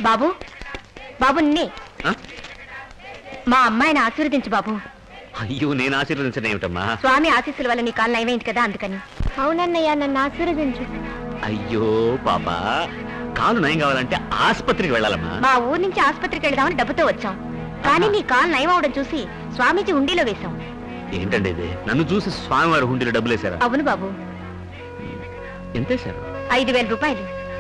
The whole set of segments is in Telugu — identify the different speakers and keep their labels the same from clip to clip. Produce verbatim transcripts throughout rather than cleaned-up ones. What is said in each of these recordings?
Speaker 1: బాబు బాబు నిన్నే మా అమ్మాయిని ఆశీర్వదించు బాబు.
Speaker 2: అయ్యో నేను ఆశీర్వదించడం ఏమిటమ్మా?
Speaker 1: స్వామి ఆశీస్సుల వల్ల నీ కాలు నయమైంది కదా అందుకని. అవునన్నయ్య నన్ను ఆశీర్వదించు.
Speaker 2: అయ్యో పాపా కాలు నయం కావాలంటే ఆసుపత్రికి వెళ్ళాలమ్మా.
Speaker 1: మా ఊరు నుంచి ఆసుపత్రికి వెళదామని డబ్బుతో వచ్చాం, కానీ నీ కాలు నయం అవడం చూసి స్వామీజీ హుండీలో వేశాం.
Speaker 2: ఏంటండి ఇది? నన్ను చూసి స్వామివారి హుండీలో డబ్బులు వేశారా?
Speaker 1: అవును బాబు.
Speaker 2: ఎంతేశారు?
Speaker 1: ఐదు వేల రూపాయలు.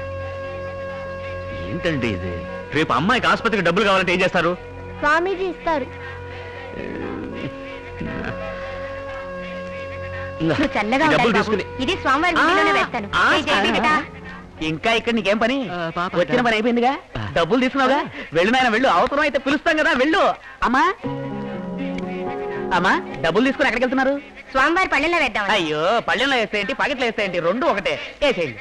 Speaker 2: ఏంటండి ఇది? రేపు అమ్మాయికి ఆసుపత్రికి డబ్బులు కావాలంటే ఏం చేస్తారు?
Speaker 1: స్వామీజీ ఇస్తారు. చల్లగా ఇది స్వామివారి హుండీలోనే వేస్తాను.
Speaker 3: ఇంకా ఇక్కడ నీకేం పని? వచ్చిన పని అయిపోయిందిగా, డబ్బులు తీసుకున్నావుగా, వెళ్ళు నాయన వెళ్ళు. అవసరం అయితే పిలుస్తాం కదా, వెళ్ళు. అమ్మా అమ్మా డబ్బులు తీసుకుని ఎక్కడికి వెళ్తున్నారు?
Speaker 1: స్వామివారి పళ్ళెంలో వేద్దాం.
Speaker 3: అయ్యో పళ్ళెంలో వేస్తాయంటి, పకెట్లో వేస్తాయంటి, రెండు ఒకటే. వేసేయండి.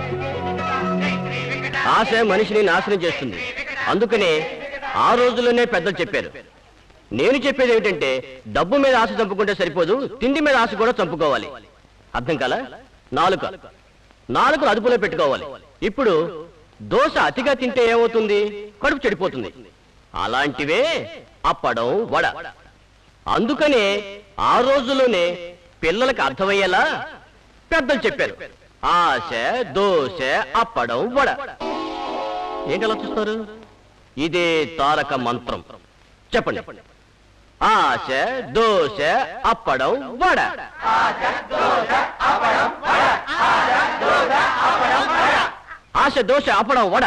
Speaker 4: ఆశ మనిషిని నాశనం చేస్తుంది, అందుకనే ఆ రోజుల్లోనే పెద్దలు చెప్పారు. నేను చెప్పేది ఏమిటంటే డబ్బు మీద ఆశ చంపుకుంటే సరిపోదు, తిండి మీద ఆశ కూడా చంపుకోవాలి. అర్థం కాల? నాలుక నాలుకను అదుపులో పెట్టుకోవాలి. ఇప్పుడు దోశ అతిగా తింటే ఏమవుతుంది? కడుపు చెడిపోతుంది. అలాంటివే అప్పడం, వడ. అందుకనే ఆ రోజుల్లోనే పిల్లలకు అర్థమయ్యేలా పెద్దలు చెప్పారు. ఆశ, దోశ, అప్పడం, వడ. ఏంటలా చూస్తారు? ఇదే తారక మంత్రం. చెప్పండి. ఆశ, దోశ, అప్పడం, వడ. ఆశ, దోశ, అప్పడం, వడ.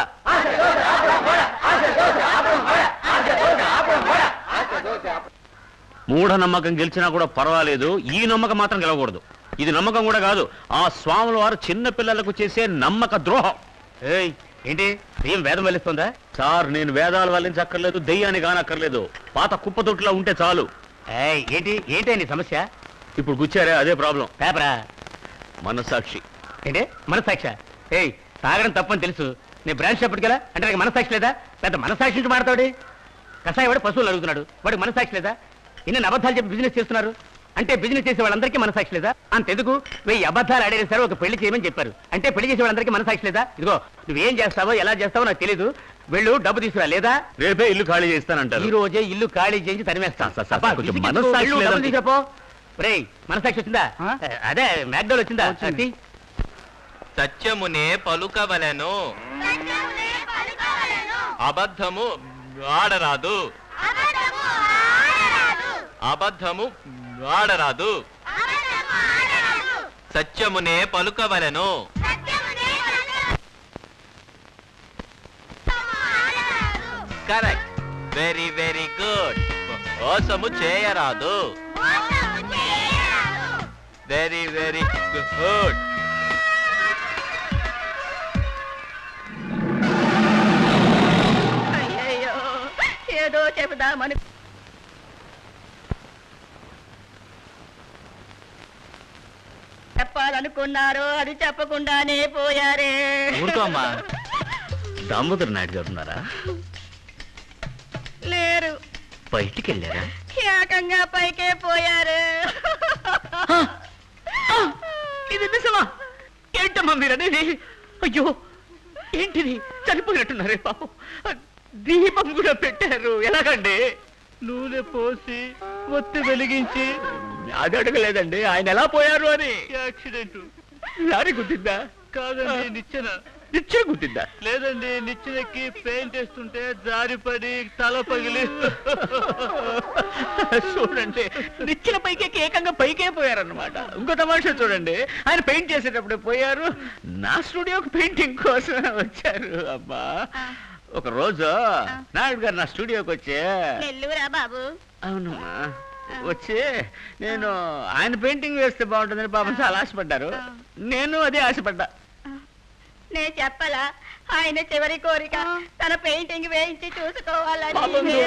Speaker 2: మూఢ నమ్మకం గెలిచినా కూడా పర్వాలేదు, ఈ నమ్మకం మాత్రం గెలవకూడదు. ఇది నమ్మకం కూడా కాదు, ఆ స్వాముల వారు చిన్న పిల్లలకు చేసే నమ్మక ద్రోహం.
Speaker 3: ఏయ్ ఏంటి దెయ్యం వేదం వల్లిస్తుందా?
Speaker 2: సార్ నేను వేదాలు వల్లించక్కర్లేదు, దెయ్యాన్ని కానక్కర్లేదు, పాత కుప్పతొట్టులా ఉంటే చాలు.
Speaker 3: ఏయ్ ఏంటి ఏంటి నీ సమస్య?
Speaker 2: ఇప్పుడు గుచ్చారే అదే ప్రాబ్లం.
Speaker 3: పేపరా?
Speaker 2: మనస్సాక్షి.
Speaker 3: ఏంటి మనస్సాక్ష? ఏయ్ తాగడం తప్పని తెలుసు, నేను బ్రాంచ్ చెప్పటికి కదా అంటే నాకు మనస్సాక్షి లేదా? పెద్ద మనస్సాక్షి నుంచి మాడతాడు. కషాయ వాడు పశువులు అడుగుతున్నాడు, వాడికి మనస్సాక్షి లేదా? ఇన్ని అబద్ధాలు చెప్పి బిజినెస్ చేస్తున్నారు అంటే బిజినెస్ చేసే వాళ్ళందరికీ మనసాక్షి లేదా? అంతెందుకు వెయ్యి అబద్ధాలు ఆడేసారు, ఒక పెళ్లి చేయమని చెప్పారు అంటే పెళ్లి చేసే వాళ్ళందరికీ మనసాక్షి లేదా? ఇదిగో నువ్వేం చేస్తావో ఎలా చేస్తావో నాకు తెలీదు, వెళ్ళు డబ్బు తీసుకురా, లేదా
Speaker 2: రేపే ఇల్లు ఖాళీ చేస్తానంటారు.
Speaker 3: ఈ రోజే ఇల్లు ఖాళీ చేసి తరిమేస్తాను. చెప్పో రేయ్ మనసాక్షి వచ్చిందా? అదే మ్యాక్డోల్ వచ్చిందా?
Speaker 5: సత్యమునే పలుకవలెను, అబద్ధము ఆడరాదు, అబద్ధము ఆడరాదు, సత్యమునే పలుకవలెను. Correct, very very good. మోసము చేయరాదు, వెరీ వెరీ గుడ్.
Speaker 1: అయ్యో ఏదో చెబుదామని చెప్పాలనుకున్నారు, అది చెప్పకుండానే పోయారే.
Speaker 2: ఊరుకోమ్మా. దామోదర్ నాయుడు గారు ఉన్నారా?
Speaker 1: లేరు.
Speaker 2: బయటికి వెళ్ళారా?
Speaker 1: ఏకంగా పైకే పోయారు.
Speaker 3: ఇది నిజమా? ఏంటమ్మా మీరనేది? అయ్యో ఏంటిది, చనిపోయినట్టున్నారే పాపం. దీపం కూడా పెట్టారు, ఎలాగండి? నూనె పోసి ఒత్తి వెలిగించి. అది అడగలేదండి ఆయన ఎలా పోయారు అని. యాక్సిడెంట్. లారీ గుద్దిందా? కాదండి, నిచ్చెన. నిచ్చెన గుద్దిందా? లేదండి, నిచ్చెనకి పెయింట్ వేస్తుంటే జారిపడి తల పగిలి. చూడండి నిచ్చెన పైకి ఏకంగా పైకే పోయారన్నమాట. ఇంకో తమాషా చూడండి, ఆయన పెయింట్ చేసేటప్పుడు పోయారు, నా స్టూడియోకి పెయింటింగ్ కోసం వచ్చారు. అబ్బా ఒక రోజు నాయుడు గారు నా స్టూడియోకి వచ్చి.
Speaker 1: బాబు
Speaker 3: అవునమ్మా, వచ్చి నేను ఆయన పెయింటింగ్ వేస్తే బాగుంటుందని పాపం చాలా ఆశపడ్డారు, నేను అదే ఆశపడ్డా.
Speaker 1: నేను చెప్పలా ఆయన చివరి కోరిక తన పెయింటింగ్ వేయించి చూసుకోవాలని.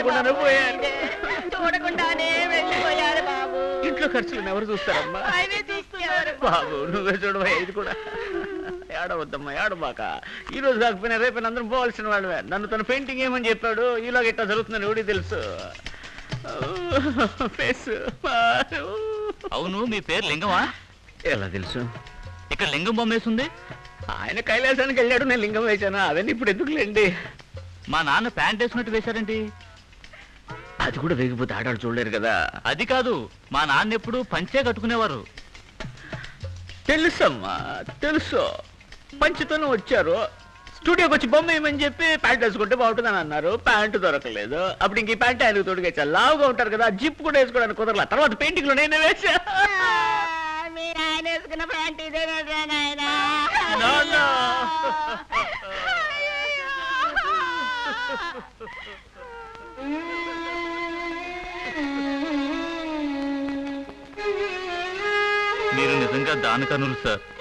Speaker 1: చూడకుండానే వెళ్ళిపోయారు బాబు.
Speaker 3: ఇంట్లో ఖర్చులు ఎవరు చూస్తారమ్మా?
Speaker 1: ఆయనే చూస్తున్నారు
Speaker 3: బాబు. నువ్వే చూడవా, ఇది కూడా ఏడవద్దమ్మా, ఏడబాక. ఈ రోజు కాకపోయినా రేపైనా అందరం పోవాల్సిన వాళ్ళవే. నన్ను తన పెయింటింగ్ ఏమని చెప్పాడు, ఈలోగా ఇట్లా జరుగుతుందని ఎవడికి తెలుసు.
Speaker 5: అవును, మీ పేరు లింగమా?
Speaker 2: ఎలా తెలుసు?
Speaker 5: ఇక్కడ లింగం బొమ్మ వేసింది.
Speaker 3: ఆయన కైలాసానికి వెళ్ళాడు, నేను లింగం వేశాను, అవన్నీ ఇప్పుడు ఎందుకులేండి.
Speaker 5: మా నాన్న ప్యాంట్ వేసుకున్నట్టు వేశారండి.
Speaker 2: అది కూడా వేగిపోతే ఆడాడు చూడలేరు కదా.
Speaker 5: అది కాదు, మా నాన్న ఎప్పుడు పంచే కట్టుకునేవారు.
Speaker 2: తెలుసమ్మా, తెలుసు. పంచుతోనే వచ్చారు. స్టూడియోకి వచ్చి బొమ్మ వేయమని చెప్పి ప్యాంట్ వేసుకుంటే బాగుంటుందని అన్నారు. ప్యాంటు దొరకలేదు. అప్పుడు ఇంక ఈ ప్యాంట్ ఆయనకు తోడుగా లావుగా ఉంటారు కదా, జిప్ కూడా వేసుకోవడానికి కుదరలా. తర్వాత పెయింటింగ్ లో నేనే వేసా.
Speaker 1: మీరు ఆయన వేసుకున్న ప్యాంట్ ఇదేనా నాయన?
Speaker 2: No, no.
Speaker 5: మీరు నిజంగా దానకనులు సార్.